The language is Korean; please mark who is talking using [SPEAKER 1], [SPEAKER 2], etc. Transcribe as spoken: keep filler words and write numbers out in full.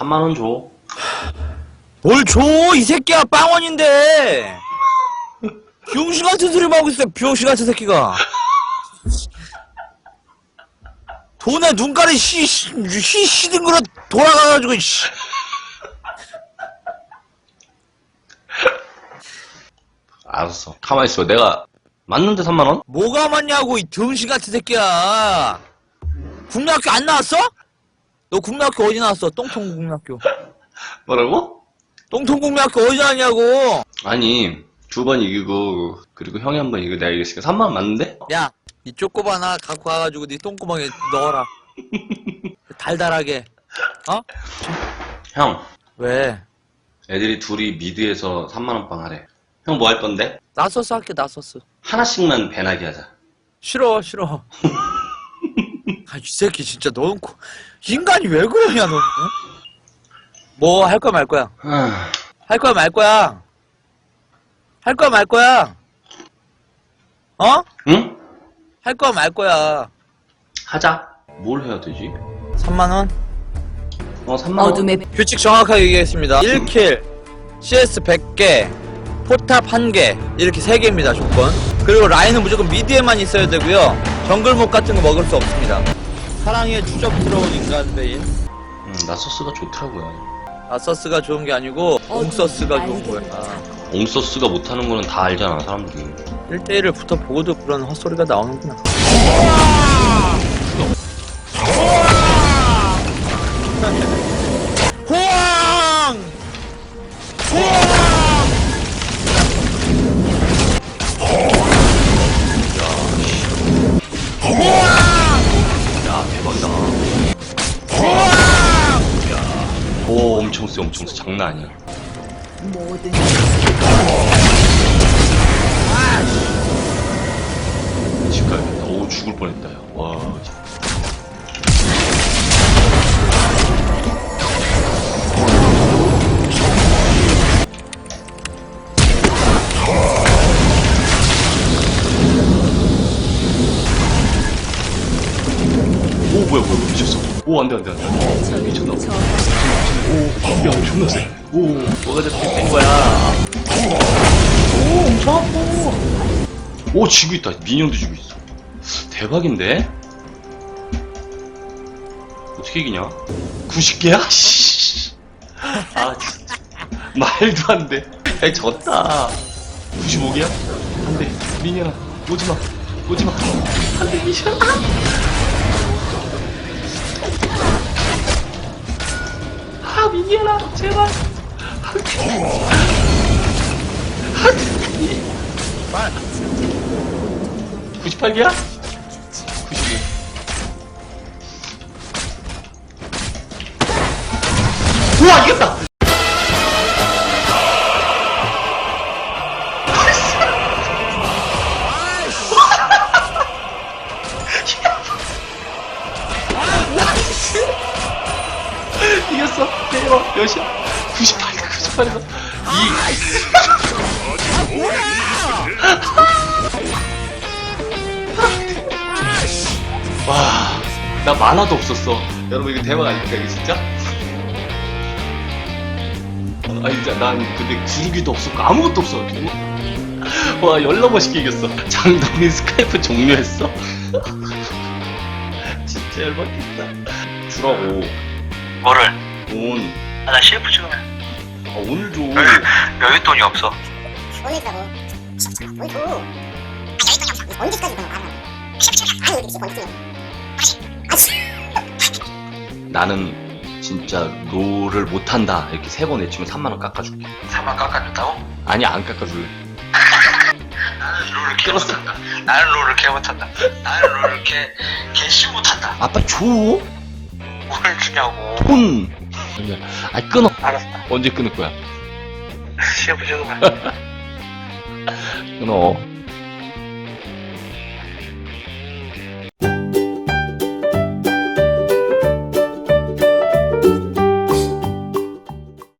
[SPEAKER 1] 삼만 원 줘.
[SPEAKER 2] 뭘 줘, 이 새끼야, 빵원인데! 병신 같은 소리 하고 있어, 병신 같은 새끼가. 돈에 눈깔이 씨, 씨, 씨, 시등그릇 돌아가가지고, 씨.
[SPEAKER 1] 알았어. 가만히 있어. 내가 맞는데 삼만 원?
[SPEAKER 2] 뭐가 맞냐고, 이 병신 같은 새끼야. 국민학교 안 나왔어? 너 국민학교 어디 나왔어? 똥통 국민학교.
[SPEAKER 1] 뭐라고?
[SPEAKER 2] 똥통 국민학교 어디 나왔냐고.
[SPEAKER 1] 아니, 두 번 이기고, 그리고 형이 한 번 이기고 내가 이겼으니까 삼만 원 맞는데?
[SPEAKER 2] 야, 이 쪼꼬바 하나 갖고 가가지고 네 똥구멍에 넣어라. 달달하게. 어?
[SPEAKER 1] 형,
[SPEAKER 2] 왜?
[SPEAKER 1] 애들이 둘이 미드에서 삼만 원 빵 하래. 형 뭐 할 건데?
[SPEAKER 2] 나서스 할게, 나서스.
[SPEAKER 1] 하나씩만 배나게 하자.
[SPEAKER 2] 싫어, 싫어. 아, 이 새끼 진짜 너는 코... 인간이 왜 그러냐, 너는? 뭐 할 거야 말 거야?
[SPEAKER 1] 아,
[SPEAKER 2] 할 거야 말 거야? 할 거야 말 거야? 어?
[SPEAKER 1] 응?
[SPEAKER 2] 할 거야 말 거야?
[SPEAKER 1] 하자. 뭘 해야 되지?
[SPEAKER 2] 삼만 원?
[SPEAKER 1] 어, 삼만 원.
[SPEAKER 3] 어둠의
[SPEAKER 2] 규칙 정확하게 얘기했습니다. 일 킬, 씨에스 백 개, 포탑 한 개, 이렇게 세 개입니다, 조건. 그리고 라인은 무조건 미드에만 있어야 되고요. 정글목 같은 거 먹을 수 없습니다. 사랑에 추접스러운 인간배인.
[SPEAKER 1] 음, 나서스가 좋더라고요.
[SPEAKER 2] 아서스가 좋은 게 아니고 옹서스가 좋은 거야.
[SPEAKER 1] 옹서스가 못하는 거는 다 알잖아, 사람들이.
[SPEAKER 2] 일 대 일을 붙어 보고도 그런 헛소리가 나오는구나. 호황! 호황!
[SPEAKER 1] 야, 대박이다. 오, 엄청 세, 엄청 세. 장난 아니야.
[SPEAKER 3] 모든
[SPEAKER 1] 집 가야겠다. 오, 죽을 뻔했다, 야. 와. 오, 뭐야, 뭐야, 미쳤어. 오, 안 돼, 안 돼, 안 돼. 미쳤나 보다. 오, 야, 존나 세. 오, 뭐가 저렇게 된 거야. 오, 엄청 아파. 오, 지고 있다. 민영도 지고 있어. 대박인데? 어떻게 이기냐? 구십 개야? 씨. 아, 진짜. 말도 안 돼. 야, 졌다. 구십오 개야? 안 돼. 민영아, 오지 마. 오지 마. 안 돼, 민영아. 아, 민영아, 제발. 구십팔 개야? 구십오. 우와, 이겼다! 이겼어. 대박. 몇이야? 구십팔, 구십팔에서 이. 와, 나 만화도 없었어. 여러분, 이거 대박 아닙니까, 이게 진짜? 아, 진짜, 난 근데 구르기도 없었고, 아무것도 없어. 와, 열나 멋있게 이겼어. 장동민 스카이프 종료했어? 진짜 열받겠다. 주라고.
[SPEAKER 4] 뭐를?
[SPEAKER 1] 돈.
[SPEAKER 4] 아, 나 씨에프 찍으면
[SPEAKER 1] 아, 오늘 줘.
[SPEAKER 4] 여기, 여기 돈이 없어.
[SPEAKER 5] 오늘 주라고. 뭘 줘? 아, 여기 돈이 없어. 언제까지 그런 거 하라고. 아니, 여기 지금 언제 아,
[SPEAKER 1] 나는 진짜 롤을 못한다 이렇게 세 번 외치면 삼만 원 깎아줄게.
[SPEAKER 4] 삼만 깎아준다고?
[SPEAKER 1] 아니, 안 깎아줄래.
[SPEAKER 4] 나는 롤을 개 못한다. 나는 롤을 개 못한다. 나는 롤을 개, 개씨 못한다.
[SPEAKER 1] 아빠 줘.
[SPEAKER 4] 뭘 주냐고.
[SPEAKER 1] 돈. 아, 끊어.
[SPEAKER 4] 알았어.
[SPEAKER 1] 언제 끊을 거야?
[SPEAKER 4] 씨에프 찍으면.
[SPEAKER 1] 끊어.